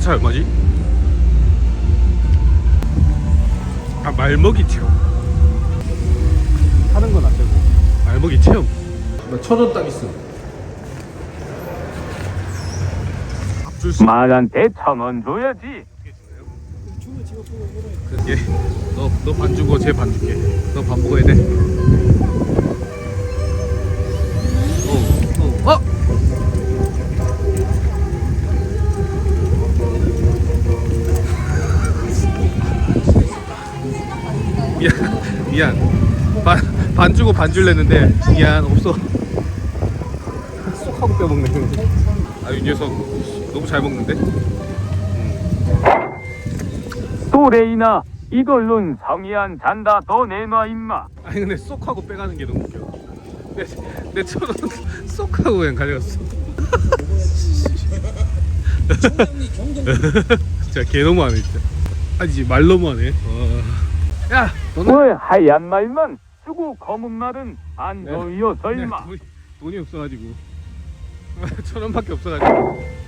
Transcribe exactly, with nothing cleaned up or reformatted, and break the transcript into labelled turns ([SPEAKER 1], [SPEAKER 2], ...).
[SPEAKER 1] 차 얼마지? 아, 말먹이 체험. 하는 건 안 되고 말먹이 체험. 나 천 원 딱 있어.
[SPEAKER 2] 말한테 천 원 줘야지.
[SPEAKER 1] 그게 너 너 반 주고 쟤 반 줄게. 너 반 먹어야 돼. 어, 어, 어. 미안, 미안. 반, 반 주고 반 줄랬는데 미안 없어. 쏙 하고 빼먹네. 아, 이 녀석 너무 잘 먹는데?
[SPEAKER 2] 또래이나 이걸론 성이 안 잔다. 더 내놔 임마.
[SPEAKER 1] 아니 근데 쏙 하고 빼가는 게 너무 웃겨. 내 천 원 쏙 하고 그냥 가져갔어. 진짜 개 너무하네 진짜. 아니지 말 너무하네. 와. 야 너는
[SPEAKER 2] 왜 하얀 말만 쓰고 검은 말은 안
[SPEAKER 1] 네.
[SPEAKER 2] 더이어 설마.
[SPEAKER 1] 돈이, 돈이 없어가지고 천 원밖에 없어가지고